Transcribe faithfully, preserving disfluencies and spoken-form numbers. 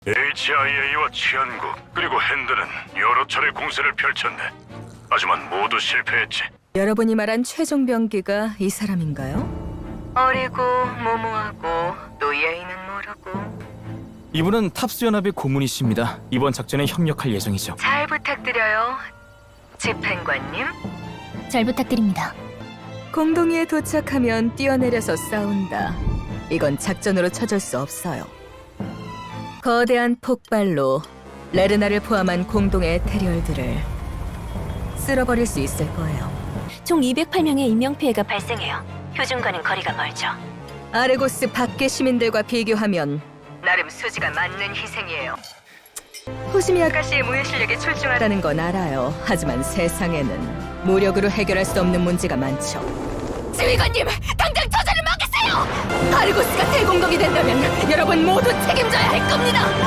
에이치아이에이와 치안국 그리고 핸드는 여러 차례 공세를 펼쳤네. 하지만 모두 실패했지. 여러분이 말한 최종 병기가 이 사람인가요? 어리고 모모하고 또 예의는 모르고. 이분은 탑스 연합의 고문이십니다. 이번 작전에 협력할 예정이죠. 잘 부탁드려요, 집행관님. 잘 부탁드립니다. 공동이에 도착하면 뛰어내려서 싸운다. 이건 작전으로 쳐줄 수 없어요. 거대한 폭발로 레르나를 포함한 공동의 에테리얼들을 쓸어버릴 수 있을 거예요. 총 이백팔 명의 인명피해가 발생해요. 표준과는 거리가 멀죠. 아르고스 밖의 시민들과 비교하면 나름 수지가 맞는 희생이에요. 호시미 아가씨의 무예 실력에 출중하다는 건 알아요. 하지만 세상에는 무력으로 해결할 수 없는 문제가 많죠. 지휘관님, 당장 저자를 막으세요! 아르고스가 대공격이 된다면 여러분 모두 책임져야 할 겁니다!